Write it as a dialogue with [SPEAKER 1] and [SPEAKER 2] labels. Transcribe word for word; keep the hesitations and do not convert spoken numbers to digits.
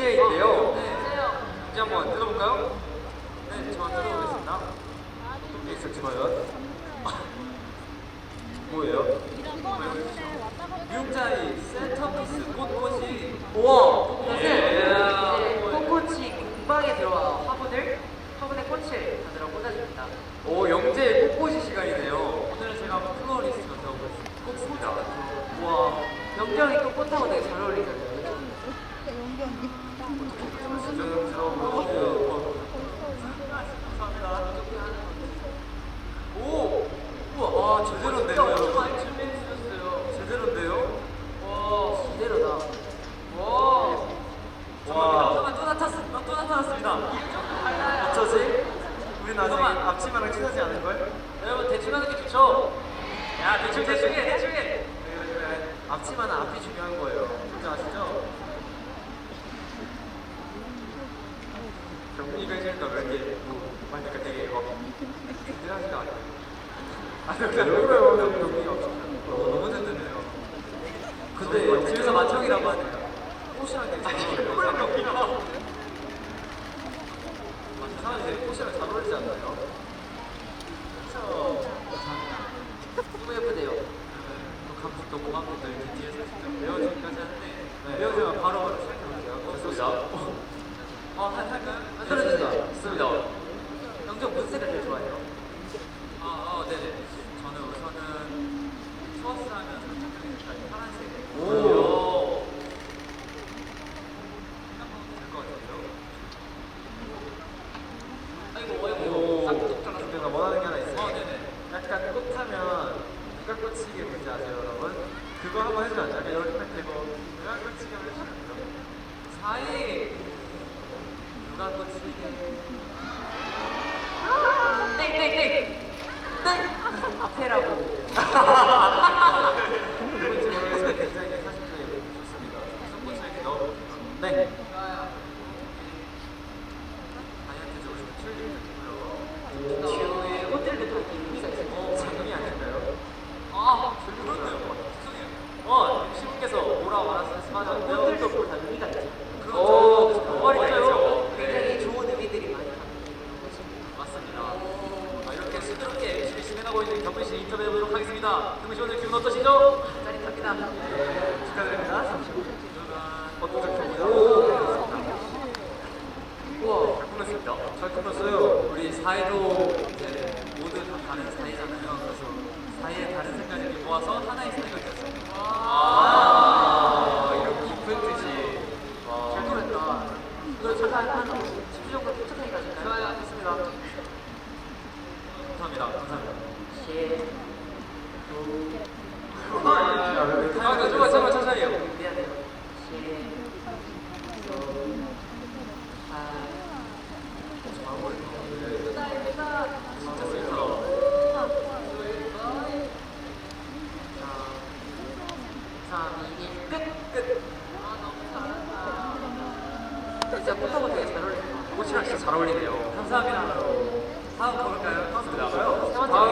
[SPEAKER 1] 영재인데요.
[SPEAKER 2] 네.
[SPEAKER 1] 이제 한번 뜯어볼까요? 네, 저 뜯어보겠습니다. 어떤 게 있을지 과연? 뭐예요? 미용자의 센터피스 꽃꽃이.
[SPEAKER 2] 우와! 사실
[SPEAKER 1] 예.
[SPEAKER 2] 이제 꽃꽃이 공방에 들어와 화분을 화분에 꽃을 받으러 꽂아줍니다.
[SPEAKER 1] 오, 영재의 꽃꽃이 시간이네요. 오늘은 제가 한번 플로리스트가 되어보겠습니다.
[SPEAKER 2] 우와, 영경이 또 꽃하고 되게 잘 어울리잖아요.
[SPEAKER 1] 부담스러워. 오! 우와, 아, 제대로인데요, 여러분?
[SPEAKER 2] 많이 준비해주셨어요.
[SPEAKER 1] 제대로인데요?
[SPEAKER 2] 와, 제대로다.
[SPEAKER 1] 와!
[SPEAKER 2] 와.
[SPEAKER 1] 잠깐만, 또 나타났, 또 나타났습니다. 어쩌지? 우리 나중에 앞치마랑 친하지 않을걸?
[SPEAKER 2] 여러분 대충 하는 게 좋죠?
[SPEAKER 1] 야, 대충, 대충 해, 대충 해! 그래, 그래. 앞치마는 앞이 중요한 거예요. 뭔지 아시죠? 경민이가 해주니까 왜 이렇게 뭐, 그러니까 되게 막, 든든하지가 않아요. 아, 그냥 그래요, 경민이가 너무 든든해요. 근데 집에서 맏형이라고 하네요. 꽃이랑 되게 잘 어울려요. 사람이 되게 꽃이랑 잘 어울리지 않나요? 그쵸?
[SPEAKER 2] 너무 예쁘대요.
[SPEAKER 1] 또 감독도 고맙고도 이렇게 뒤에서 직접 배워주기까지 하는데 배워주면 바로바로 시작해볼게요. 좋습니다. 어, 한, 할까요?
[SPEAKER 2] 들어주세요.
[SPEAKER 1] 좋습니다.
[SPEAKER 2] 영정 무슨 색을 제일 좋아해요?
[SPEAKER 1] 아, 어, 네네. 저는 우선은 소스 하면 살짝 파란색.
[SPEAKER 2] 오.
[SPEAKER 1] 될것 같은데요?
[SPEAKER 2] 아이고, 아이고.
[SPEAKER 1] 오.
[SPEAKER 2] 싹둑
[SPEAKER 1] 근데 나 원하는 게 하나 있어요. 어, 네네. 약간 꽃하면 누가 꽂히게 뭔지 아세요, 여러분? 그거 한번 해주면 안 돼요? 약간 이렇게 딱 대고 누가 꽂히게 한번 해주면 안 돼요? 사이 누가 꽂히게
[SPEAKER 2] 땡땡땡. 땡. 앞에라고.
[SPEAKER 1] 누군지 모르겠어요. 굉장히 사실적이고 좋습니다. 무슨 꽃을 이렇게 넣어볼게요. 네. 다이어트 좋으시면 튤립도 있고요.
[SPEAKER 2] 뒤에 꽃들도 다 이렇게 의미가 있어요.
[SPEAKER 1] 어, 장미 아닐까요?
[SPEAKER 2] 아,
[SPEAKER 1] 그렇네요. 죄송해요. 어, 시분께서 뭐라고 말씀하셨는데요?
[SPEAKER 2] 꽃들도 다 의미가 있죠.
[SPEAKER 1] 그렇죠.
[SPEAKER 2] 그
[SPEAKER 1] 그 말이죠.
[SPEAKER 2] 굉장히 좋은 의미들이 많이 담겨
[SPEAKER 1] 맞습니다. 아, 이렇게 수드럽게 열심히 진행하고 있는 경민 씨 인터뷰해보도록 하겠습니다. 경민 씨 오늘 기분 어떠시죠?
[SPEAKER 2] 짜릿합니다.
[SPEAKER 1] 축하드립니다. 어떤 작품이요?
[SPEAKER 2] 우와.
[SPEAKER 1] 잘 꾸몄습니다. 잘 꾸몄어요. 우리 사이도 이제 모두 다 다른 사이잖아요. 그래서 사이의 다른 색깔을 모아서 하나의 사이가 되었습니다. 와, 이런 깊은 뜻이. 와.
[SPEAKER 2] 잘 꾸몄다. 이거 잠깐 한 십 분 정도 도착하게 가실까요?
[SPEAKER 1] 좋아요, 좋습니다. 감사합니다. 감사합니다.
[SPEAKER 2] 시.
[SPEAKER 1] 아, 잠깐만, 잠깐만, 천천히 해요.
[SPEAKER 2] 미안해요. 시. 아.
[SPEAKER 1] 진짜 슬프다.
[SPEAKER 2] 삼, 이, 일, 끝! 끝! 아, 너무 잘한다. 진짜 꽃하고 되게 잘 어울린다.
[SPEAKER 1] 꽃이랑 진짜 잘 어울리네요.
[SPEAKER 2] 감사합니다.
[SPEAKER 1] 다음 가볼까요?
[SPEAKER 2] 감사합니다.
[SPEAKER 1] 다음